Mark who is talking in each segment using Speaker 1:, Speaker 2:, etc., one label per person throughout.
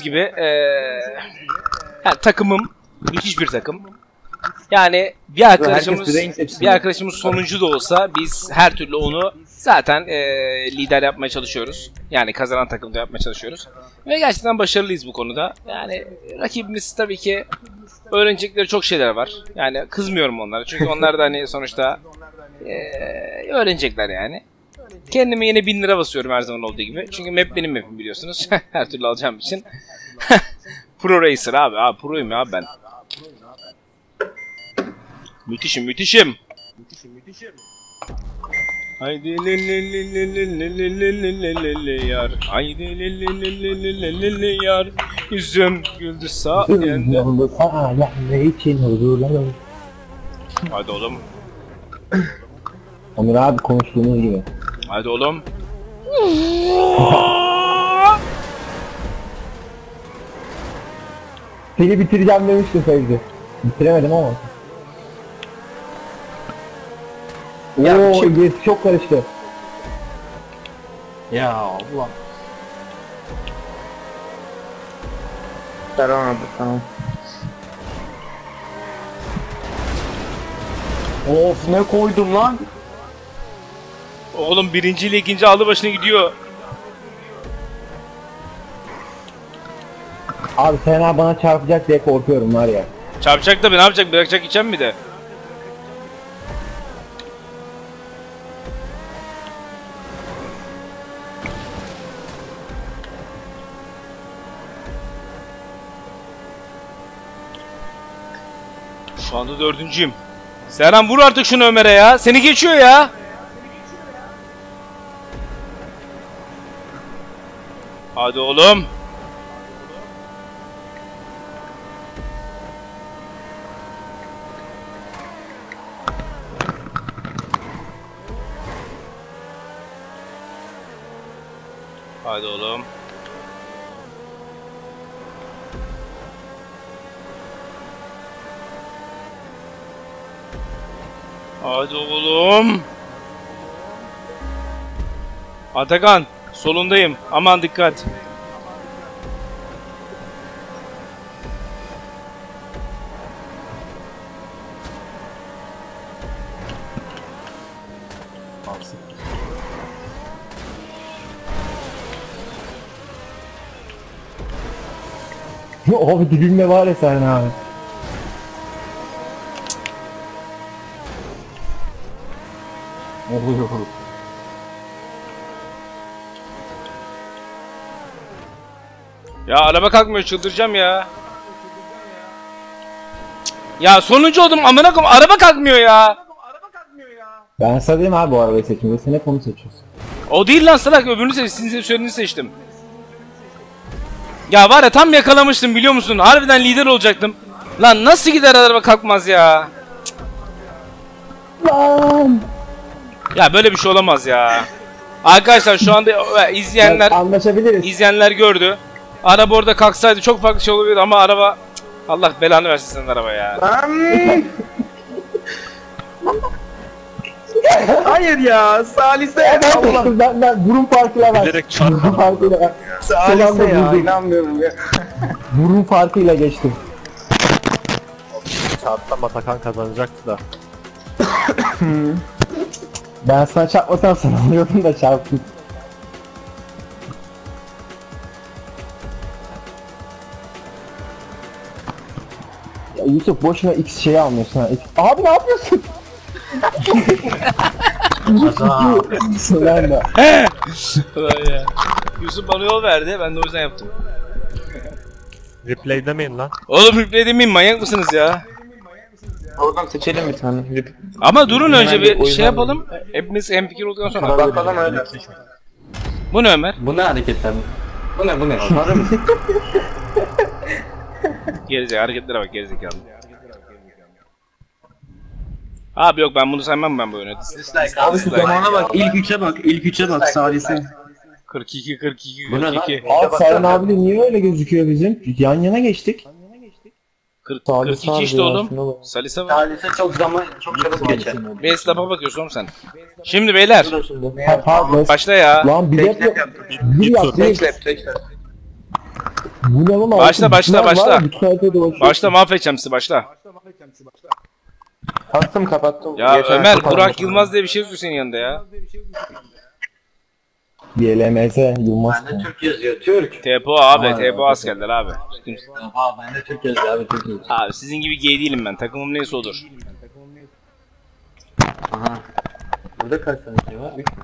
Speaker 1: gördüğünüz gibi yani takımım müthiş bir takım. Yani bir arkadaşımız sonuncu da olsa biz her türlü onu zaten lider yapmaya çalışıyoruz. Yani kazanan takımda yapmaya çalışıyoruz. Ve gerçekten başarılıyız bu konuda. Yani rakibimiz tabii ki öğrenecekleri çok şeyler var. Yani kızmıyorum onlara. Çünkü onlar da hani sonuçta öğrenecekler yani. Kendime yine 1000 lira basıyorum her zaman olduğu gibi. Çünkü map benim map'im biliyorsunuz. Her türlü alacağım için. Pro Racer abi. Pro'yum ya ben. Müthişim. Haydi le yar. Haydi le yar. Yüzüm güldü sayende.
Speaker 2: Ne için huzurlar?
Speaker 1: Haydi oğlum.
Speaker 2: Onur abi konuştuğumuz gibi.
Speaker 1: Haydi oğlum.
Speaker 2: Seni bitireceğim demiştin Fevzi. Bitiremedim ama. Ooo gerisi çok karıştı.
Speaker 3: Ya Allah. Tamam. Of ne koydum lan?
Speaker 1: Oğlum birinci ile ikinci aldı başına gidiyor.
Speaker 2: Abi Sena bana çarpacak diye korkuyorum var ya.
Speaker 1: Çarpacak da ne yapacak? Bırakacak içen mi de? Şu anda 4.'üyüm. Serhan vur artık şunu Ömer'e ya. Seni geçiyor ya. Hadi oğlum. Hadi oğlum. Hadi oğlum. Atakan, solundayım. Aman dikkat.
Speaker 2: Abi dibimde var ya sen abi.
Speaker 3: Oluyor.
Speaker 1: Ya araba kalkmıyor, çıldıracağım ya. Ya sonuncu oldum amına koyayım, araba kalkmıyor ya.
Speaker 2: Ben sana dedim abi bu arabayı seçimde sen hep onu seçiyorsun.
Speaker 1: O değil lan salak, öbürünü sizin söylediğinizi seçtim. Ya var ya tam yakalamıştım biliyor musun? Harbiden lider olacaktım. Lan nasıl gider araba kalkmaz ya?
Speaker 2: Lan!
Speaker 1: Ya böyle bir şey olamaz ya. Arkadaşlar şu anda izleyenler gördü. Araba orada kalksaydı çok farklı şey olabilirdi ama araba Allah belanı versin senin araba ya.
Speaker 3: Hayır ya, Salise.
Speaker 2: Allah ben burun farkıyla bak.
Speaker 3: Bilerek çarpmadım.
Speaker 2: Burun farkıyla bak.
Speaker 3: Salise ya, inanmıyorum ya.
Speaker 2: Burun farkıyla geçtim.
Speaker 3: Çarpsam Atakan kazanacaktı da.
Speaker 2: Ben sana çarpmasam sana alıyordum da çarptım. Ya Yusuf boşuna X şeyi almıyorsun ha. Abi ne yapıyorsun? Ulan da.
Speaker 1: Yusuf bana yol verdi, ben de o yüzden yaptım.
Speaker 3: Replay demeyin lan.
Speaker 1: Oğlum replay demeyeyim, manyak mısınız ya?
Speaker 4: Oradan seçelim bir tane.
Speaker 1: Ama durun önce bir
Speaker 4: o yüzden
Speaker 1: şey yapalım. Hepimiz hemfikir olduktan sonra.
Speaker 4: Bakalım öyle.
Speaker 1: Bu ne Ömer?
Speaker 4: Bu ne hareketler? Bu ne?
Speaker 1: Gerizekalı hareketlere bak gerizekalı. Abi yok ben bunu saymam ben bu oyunu.
Speaker 4: Abi şu zamana bak. İlk üçe bak Salise.
Speaker 1: 42.
Speaker 4: Bu ne lan?
Speaker 2: Abi Serhan abi de niye öyle gözüküyor bizim? Yan yana geçtik.
Speaker 1: 42 işte oğlum. Salise var.
Speaker 4: Salise çok çabuk geçer.
Speaker 1: Bir esnafa bakıyorsun oğlum sen. Şimdi beyler.
Speaker 2: Pardon.
Speaker 1: Başla ya.
Speaker 2: Lan bilet yok. Bir yap.
Speaker 4: Tek lap.
Speaker 2: Bu ne lan?
Speaker 1: Başla, başla, başla.
Speaker 2: Başla.
Speaker 1: Başla, mahvedeceğim sizi, başla.
Speaker 3: Kastım kapattım.
Speaker 1: Ya
Speaker 3: Yeter,
Speaker 1: Ömer,
Speaker 3: kapattım.
Speaker 1: Burak Yılmaz diye bir şey yazıyor senin yanında ya.
Speaker 2: BLMS Yılmaz.
Speaker 4: Bende Türk yazıyor, Türk.
Speaker 1: TPO abi,
Speaker 4: Aa,
Speaker 1: TPO askerler abi.
Speaker 4: Aha bende Türk yazıyor abi, Türk yazıyor.
Speaker 1: Abi sizin gibi gay değilim ben, takımım neyse odur.
Speaker 4: Aha. Burada kaç tane şey var? 3 mü?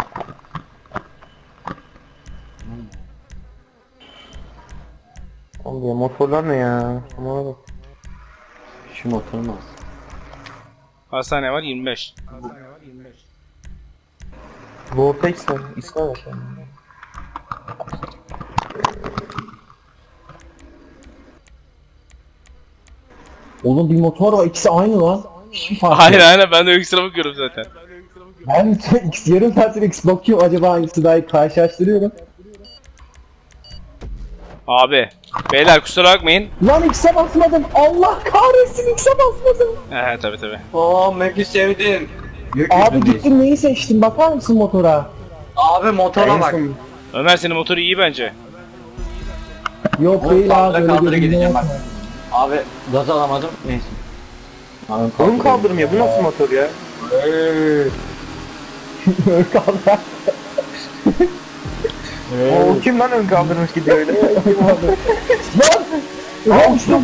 Speaker 3: Oğlum ya motorlar ne ya? Aman bak.
Speaker 4: Şu motorun az.
Speaker 1: Hastane var 25.
Speaker 3: Vortex var. İsmi var.
Speaker 2: Oğlum bir motor var, ikisi aynı lan. Hiçbir fark yok.
Speaker 1: Hayır aynen, ben de ekstra bakıyorum zaten.
Speaker 2: Ben yarım saattir X bakıyorum, acaba hangisi daha iyi karşılaştırıyorum.
Speaker 1: Abi, beyler kusura bakmayın.
Speaker 2: Lan X'e basmadım. Allah kahretsin, X'e basmadım.
Speaker 1: Tabi.
Speaker 4: Aa Mac'i sevdim.
Speaker 2: Abi gittim, neyi seçtim, bakar mısın motora?
Speaker 4: Abi motora bak.
Speaker 1: Ömer senin motoru iyi bence.
Speaker 2: Yok değil abi, öyle
Speaker 4: kaldıra
Speaker 2: bir
Speaker 4: gideceğim bak.
Speaker 2: şey
Speaker 4: Abi gaz alamadım. Neyse. Abi
Speaker 3: Oğlum kaldırmıyor. Bu nasıl motor ya?
Speaker 2: yok. Kaldı.
Speaker 3: O kim lan ön kaldırmış gidiyor öyle?
Speaker 2: Lan! Lan uçtum.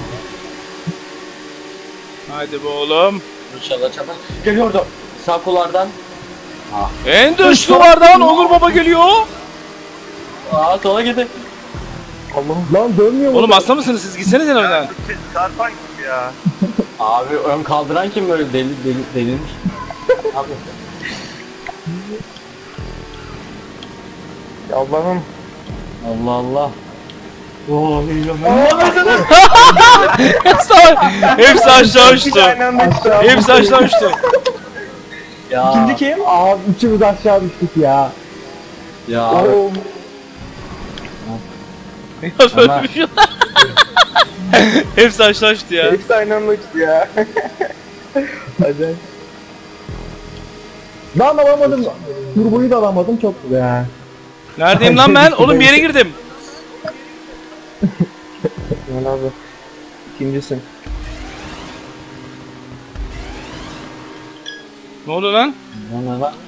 Speaker 1: Hadi be oğlum.
Speaker 4: İnşallah çapa. Geliyordu. Sağ kullardan.
Speaker 1: En dış duvardan Onur Baba geliyor.
Speaker 4: Aa sola gidi.
Speaker 2: Lan dönmüyor mu?
Speaker 1: Oğlum hasta mısınız siz? Gitsenize önden.
Speaker 3: Çarpan gibi ya.
Speaker 4: Abi ön kaldıran kim böyle delirmiş? Abi.
Speaker 3: Ya Allah'ım.
Speaker 4: Allah Allah.
Speaker 1: Hepsi aşağı uçtu.
Speaker 3: Aynı anda işte.
Speaker 1: Hepsi aşağı uçtu.
Speaker 4: Ya.
Speaker 3: İkinci kim?
Speaker 2: Abi üçümüz aşağı düştük ya.
Speaker 4: Ya abi.
Speaker 3: Oo.
Speaker 1: Ya böyle bir şey yok. Hepsi aşağı uçtu ya.
Speaker 3: Hepsi aynı anda uçtu ya. Hadi.
Speaker 2: Lan alamadım. Turboyu da alamadım, çok güzel.
Speaker 1: Neredeyim lan ben? Oğlum bir yere girdim.
Speaker 3: Gel abi. İkincisin.
Speaker 1: Ne oldu lan?
Speaker 4: Ne lan?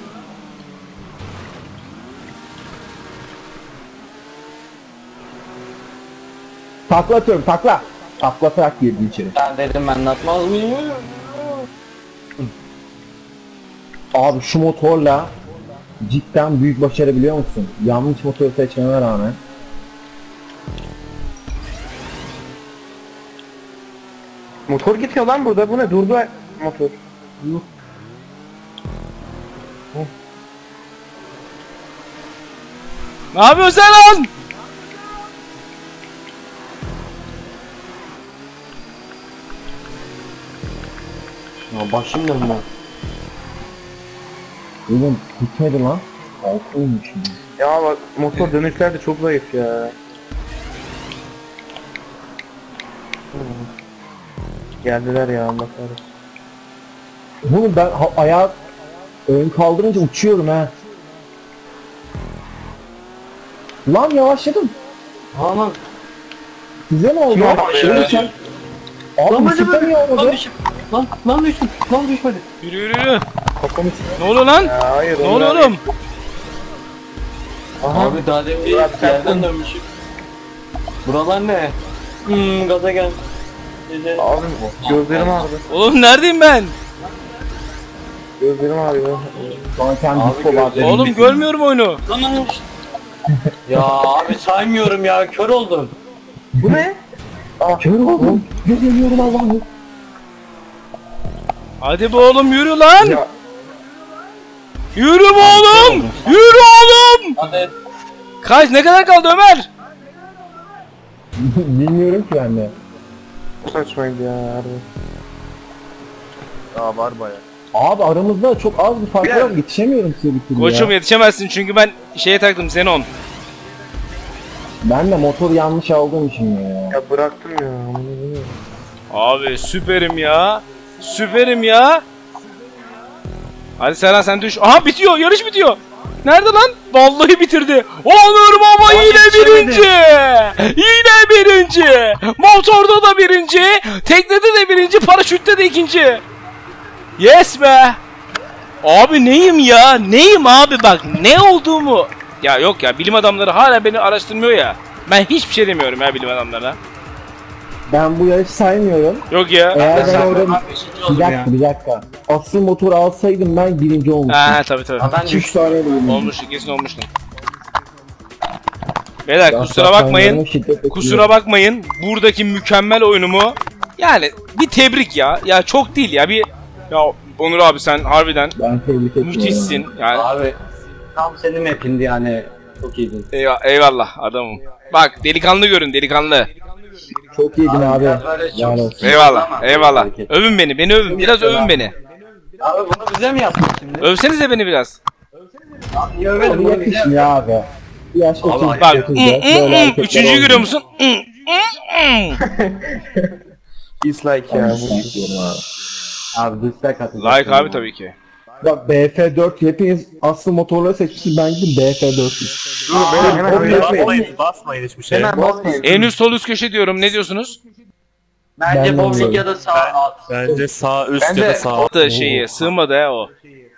Speaker 2: Takla atıyorum, takla. Taklatarak girdim içeri.
Speaker 4: Ben dedim ben atmaz mıyım?
Speaker 2: Abi şu motorla cidden büyük başarı, biliyor musun? Yanlış motor seçmeme rağmen.
Speaker 3: Motor gidiyor lan burada. Bu ne? Durdu motor.
Speaker 1: Ne yapıyorsun sen lan?
Speaker 4: Ya başım dönme.
Speaker 2: Oğlum gitmedi lan. Altıymış şimdi.
Speaker 3: Ya bak motor dönüşler de çok zayıf ya. Geldiler ya Allah kahretsin.
Speaker 2: Oğlum ben ayağı ön kaldırınca uçuyorum ha. Lan yavaşladım.
Speaker 4: Aman.
Speaker 2: Size ne oldu?
Speaker 3: Kim oldu ya?
Speaker 2: Oğlum sen... Abi ısıtta niye olmadı?
Speaker 4: Lan düştüm. Lan düşmedi.
Speaker 1: Yürü yürü.
Speaker 3: Kafamı
Speaker 1: Ne oluyor lan?
Speaker 3: ya hayır.
Speaker 1: Ne oluyor oğlum?
Speaker 3: Aha.
Speaker 4: Abi daha demin bir
Speaker 3: Murat, sen
Speaker 4: yerden dönmüşüm. Buralar ne? Gaza gel.
Speaker 3: Abi gözlerim ağrıdı.
Speaker 1: Oğlum neredeyim ben?
Speaker 3: Gözlerim ağrıyor.
Speaker 2: Şu an sen
Speaker 4: Abi
Speaker 2: disco var.
Speaker 1: Oğlum görmüyorum oyunu.
Speaker 4: Lan ya abi saymıyorum ya kör oldum.
Speaker 3: Bu ne?
Speaker 2: Kör oldum. Göremiyorum Allah'ım.
Speaker 1: Hadi be oğlum yürü lan.
Speaker 3: Ya
Speaker 1: Yürü be oğlum. Yürü oğlum.
Speaker 4: Hadi.
Speaker 1: Kaç ne kadar kaldı Ömer?
Speaker 2: Bilmiyorum ki ben de.
Speaker 3: saçmaydı ya harbi. Aa var baya.
Speaker 2: Abi aramızda çok az bir fark var. Yetişemiyorum size bir türlü
Speaker 1: Koçum
Speaker 2: ya.
Speaker 1: yetişemezsin çünkü ben şeye taktım Xenon.
Speaker 2: Ben de motor yanlış aldığım için ya.
Speaker 3: Ya bıraktım ya.
Speaker 1: Abi süperim ya. Süperim ya. Hadi Serhan sen düş. Aha bitiyor. Yarış bitiyor. Nerede lan? Vallahi bitirdi. Onur Baba yine birinci. Yine birinci. Motorda da birinci. Teknede de birinci. Paraşütte de ikinci. Yes be. Abi neyim ya? Neyim abi bak ne olduğumu. Ya yok ya bilim adamları hala beni araştırmıyor ya. Ben hiçbir şey demiyorum ya bilim adamlarına.
Speaker 2: Ben bu yarışı saymıyorum.
Speaker 1: Yok ya.
Speaker 2: Eğer ben orada bir dakika. Asıl motor alsaydım ben birinci olmuştum.
Speaker 1: Ha tabii tabii.
Speaker 4: Ben
Speaker 2: 2-3 tane bölüm.
Speaker 1: Olmuştu kesin olmuştu. Beyler kusura bakmayın. Kusura bakmayın. Buradaki mükemmel oyunumu yani bir tebrik ya. Ya çok değil ya bir ya Onur abi sen harbiden
Speaker 2: Ben tebrik ediyorum.
Speaker 1: müthişsin. Yani
Speaker 4: Abi tam senin map'indi yani. Çok iyiydin.
Speaker 1: eyvallah adamım. Bak delikanlı görün delikanlı.
Speaker 2: Çok iyiydin abi. Yani
Speaker 1: Eyvallah. Övün beni övün. Biraz övün beni.
Speaker 4: Abi bunu bize mi yaptın şimdi?
Speaker 1: Övsenize beni biraz.
Speaker 4: Abi niye övmedin bunu bize?
Speaker 2: yakışmıyor abi. Yaş
Speaker 4: Abi,
Speaker 1: Bak üçüncüyü görüyor musun?
Speaker 3: Dislike ya.
Speaker 4: Abi dislike atacağım.
Speaker 1: Like abi tabii ki.
Speaker 2: Bak BF4 hepiniz asıl motorları seçmişsiniz, ben gittim BF4.
Speaker 5: Basmayın hiçbir şey.
Speaker 3: Hemen basmayın.
Speaker 1: En üst sol üst köşe diyorum. Ne diyorsunuz?
Speaker 4: Bence
Speaker 2: Ben
Speaker 4: bowling
Speaker 2: de
Speaker 4: ya da sağ at.
Speaker 5: Bence sağ üst
Speaker 3: Bence-
Speaker 5: ya da sağ alt.
Speaker 1: Da şeyi sığmadı ya o.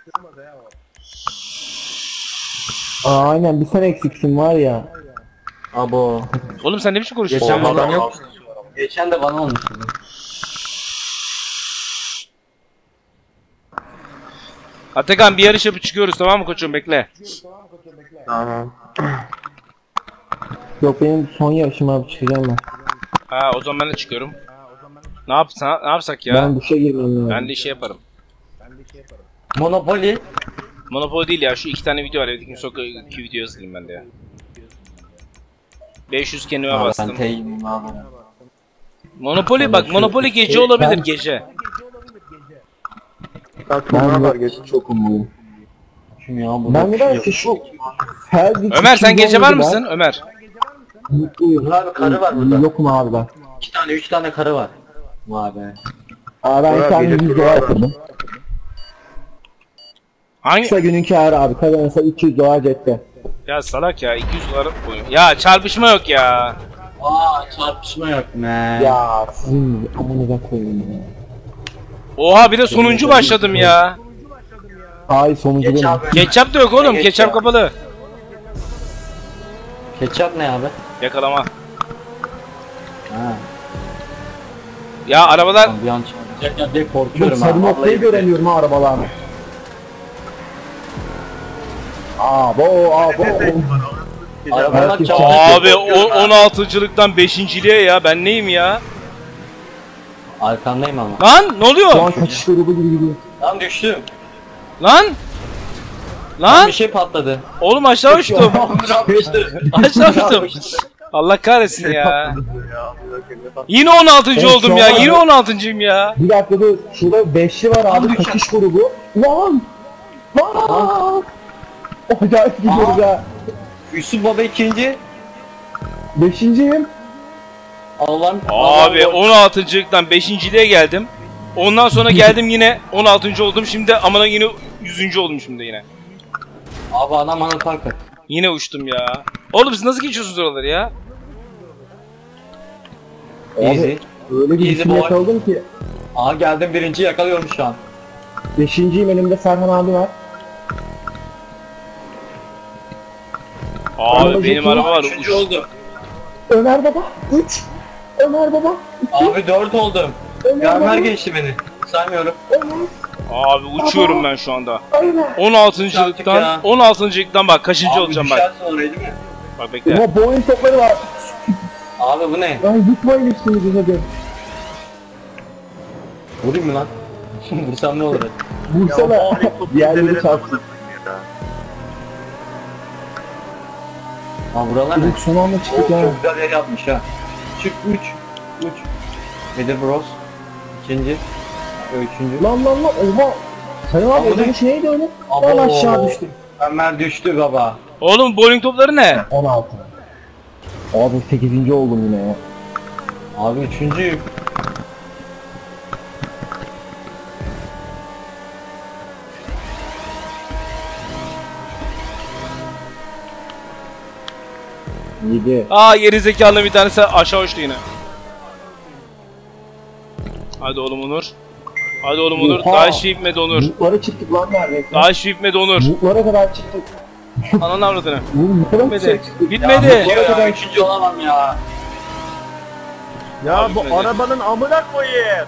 Speaker 2: Aynen bir sen eksiksin var ya.
Speaker 4: Abo.
Speaker 1: Oğlum sen ne biçim konuşuyorsun?
Speaker 3: Geçen
Speaker 1: ya?
Speaker 3: adam yok.
Speaker 4: Geçen de bana olmuştu.
Speaker 1: Atakan bir yarış yapıp çıkıyoruz tamam mı koçum bekle.
Speaker 3: Tamam.
Speaker 2: Yok benim son yarışım abi, çıkacağım ben.
Speaker 1: Ha o zaman ben de çıkıyorum. Ne yapsak ya?
Speaker 2: Ben duşa girmem lazım.
Speaker 1: Ben de şey yaparım.
Speaker 4: Monopoly.
Speaker 1: Monopoly değil ya şu iki tane video var. Evdeki son iki video yazayım ben de ya. 500 kendime
Speaker 4: Abi ben
Speaker 1: bastım.
Speaker 4: teyimim abi.
Speaker 1: Monopoly bak Monopoly gece olabilir gece.
Speaker 2: Ben var geçti çok umurluyum.
Speaker 4: Kim ya bu?
Speaker 2: Ben nedense şu Ferdi
Speaker 1: Ömer sen
Speaker 2: çizgi
Speaker 1: gece var
Speaker 2: oynadı ben.
Speaker 1: mısın Ömer?
Speaker 2: Mutluyum.
Speaker 4: Abi karı var burada.
Speaker 2: Yokum abi ben.
Speaker 4: 2 tane 3 tane karı var. Vay be.
Speaker 2: Abi ben
Speaker 3: Ömer
Speaker 2: bir tane
Speaker 3: gece
Speaker 2: 100 dolar kırdım.
Speaker 1: Hangi?
Speaker 2: Kısa günün kârı abi. Kazanırsa 300 dolar cepte.
Speaker 1: Ya salak ya 200 dolar koyun. Ya çarpışma yok ya.
Speaker 4: Aa çarpışma yok ne?
Speaker 2: Ya sizin amanıza koyayım ya.
Speaker 1: Oha bir de sonuncu başladım ya.
Speaker 2: Ay sonucu
Speaker 4: Geç
Speaker 2: benim.
Speaker 4: abi.
Speaker 1: Ketçap da yok oğlum.
Speaker 4: Geç
Speaker 1: Ketçap
Speaker 4: ya.
Speaker 1: kapalı.
Speaker 4: Ketçap ne abi?
Speaker 1: Yakalama.
Speaker 4: Ha.
Speaker 1: Ya arabalar
Speaker 4: Bir an çarpacak diye
Speaker 2: Çok
Speaker 4: korkuyorum
Speaker 2: sarı
Speaker 4: abi.
Speaker 2: noktayı göremiyorum ha arabalarda. Abo.
Speaker 4: Arabalar
Speaker 2: Herkes
Speaker 4: çarpacak.
Speaker 1: abi o 16'cılıktan 5.liğe ya ben neyim ya?
Speaker 4: Arkandayım ama.
Speaker 1: Lan ne
Speaker 2: Şu
Speaker 1: oluyor?
Speaker 2: an kaçış grubu gibi gidiyor.
Speaker 4: Lan düştüm.
Speaker 1: Lan? Lan?
Speaker 4: Bir şey patladı.
Speaker 1: Oğlum aşağı uçtum. Aşağı uçtum.
Speaker 4: Düştü.
Speaker 1: Allah kahretsin ya. Yine 16. oldum ya. Yine 16.'yım ya.
Speaker 2: Bir dakika dur. Şurada 5'li var abi kaçış grubu. Lan! Acayip gidiyoruz ha.
Speaker 4: Yusuf Baba ikinci.
Speaker 2: 5'inciyim.
Speaker 4: Allah'ım.
Speaker 1: Abi 16.'lıktan 5.liğe geldim. Ondan sonra geldim yine 16. oldum. Şimdi amına yine 100. oldum şimdi yine.
Speaker 4: Abi adam bana fark et.
Speaker 1: Yine uçtum ya. Oğlum siz nasıl geçiyorsunuz oraları ya?
Speaker 4: Easy.
Speaker 2: Öyle bir
Speaker 4: Easy
Speaker 2: isim
Speaker 4: boy.
Speaker 2: yakaladım ki.
Speaker 4: Aa geldim birinci yakalıyorum şu an.
Speaker 2: 5'inciyim, elimde Serhan abi var.
Speaker 1: Abi benim araba var.
Speaker 4: Üçüncü oldum.
Speaker 2: Ömer baba 3. Ömer baba 2.
Speaker 4: Abi 4 oldum.
Speaker 2: Ömer baba
Speaker 4: Ömer geçti beni. Saymıyorum.
Speaker 2: Ömer.
Speaker 1: Abi uçuyorum ben şu anda.
Speaker 2: Ömer.
Speaker 1: 16.'lıktan
Speaker 4: ya.
Speaker 1: 16.'lıktan bak kaçıncı
Speaker 4: Abi
Speaker 1: olacağım bak.
Speaker 4: düşersin orayı değil mi?
Speaker 1: Bak bekle.
Speaker 2: Ama Boeing topları var.
Speaker 4: Abi bu ne?
Speaker 2: Ay yıkmayın üstünüzü hadi.
Speaker 4: Vurayım mı lan? Vursam ne olur?
Speaker 2: Vursana. Diğerleri çarpsın.
Speaker 4: Aa buralar ne?
Speaker 2: Çocuk son anda çıktık
Speaker 4: Oo,
Speaker 2: ha.
Speaker 4: çok güzel yer yapmış ha. Çık 3. 3. Nedir Bros? İkinci. Üçüncü.
Speaker 2: Lan. Oha. Sayın abi
Speaker 4: Ama
Speaker 2: o zaman
Speaker 4: ne?
Speaker 2: şey de öyle.
Speaker 4: Abo.
Speaker 2: Lan aşağı düştüm.
Speaker 4: Ömer düştü baba.
Speaker 1: Oğlum bowling topları ne?
Speaker 2: 16. Abi 8. oldum yine ya.
Speaker 4: Abi üçüncüyüm.
Speaker 2: 7.
Speaker 1: Aa geri zekalı bir tanesi aşağı uçtu yine. Hadi oğlum Onur. Hadi oğlum Onur.
Speaker 2: Oha!
Speaker 1: Daha hiç bitmedi Onur.
Speaker 2: Mutlara çıktık lan neredeyse.
Speaker 1: Daha hiç bitmedi Onur.
Speaker 2: Mutlara kadar çıktık.
Speaker 1: Ananı avradını.
Speaker 2: Mutlara
Speaker 1: Bitmedi.
Speaker 2: çıktık.
Speaker 1: Bitmedi.
Speaker 4: Ya, üçüncü olamam ya.
Speaker 5: Ya
Speaker 1: Abi
Speaker 5: bu
Speaker 1: bitmedi.
Speaker 5: arabanın amına koyayım.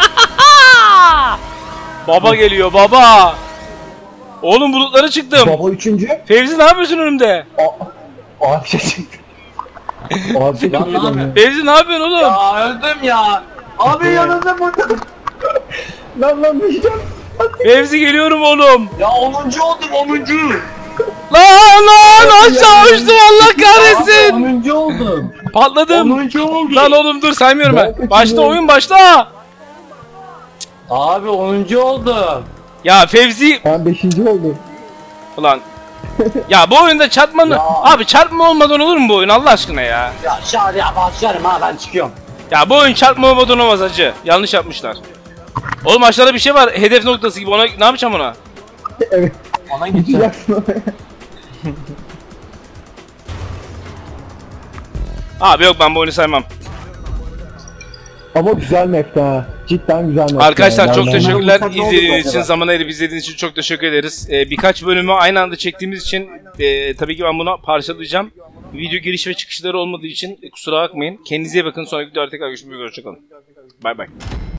Speaker 1: Baba geliyor baba. Oğlum bulutlara çıktım.
Speaker 2: Baba 3.
Speaker 1: Fevzi ne yapıyorsun önümde?
Speaker 2: Abi şey çıktı. Abi şey
Speaker 4: Lan
Speaker 2: çıktı.
Speaker 4: ne yapıyorsun?
Speaker 1: Fevzi ne yapıyorsun oğlum?
Speaker 4: Ya öldüm ya. Abi yanında burada.
Speaker 2: Lan düşeceğim.
Speaker 1: Fevzi geliyorum oğlum.
Speaker 4: Ya 10. oldum 10.
Speaker 1: Lan aşağı uçtum Allah kahretsin.
Speaker 4: 10. oldum.
Speaker 1: Patladım.
Speaker 4: 10. oldum.
Speaker 1: Lan oğlum dur saymıyorum
Speaker 2: Ben
Speaker 1: ben.
Speaker 2: kaçırıyorum.
Speaker 1: Başla oyun başla.
Speaker 4: Abi 10. oldum.
Speaker 1: Ya Fevzi
Speaker 2: Ben 5. oldum.
Speaker 1: ulan. Ya bu oyunda çarpmanın abi çarpma olmadan olur mu bu oyun Allah aşkına ya?
Speaker 4: Ya şahane başlarım ha ben çıkıyorum.
Speaker 1: Ya bu oyun çarpma olmadan olmaz hacı. Yanlış yapmışlar. Oğlum aşağıda bir şey var hedef noktası gibi ona ne yapacağım ona?
Speaker 2: Evet.
Speaker 4: Ona gideceğim.
Speaker 2: Gideceksin oraya.
Speaker 1: Abi yok ben bu oyunu saymam.
Speaker 2: Ama güzel map'te ha. Cidden güzel map'te.
Speaker 1: Arkadaşlar çok
Speaker 2: Yani-
Speaker 1: teşekkürler
Speaker 4: Olsak ne olur
Speaker 1: izlediğiniz için,
Speaker 4: acaba?
Speaker 1: zaman ayırıp izlediğiniz için çok teşekkür ederiz. Birkaç bölümü aynı anda çektiğimiz için tabii ki ben bunu parçalayacağım. Video giriş ve çıkışları olmadığı için kusura bakmayın. Kendinize iyi bakın. Sonraki videoda tekrar görüşmek üzere. Hoşçakalın. Bay bay.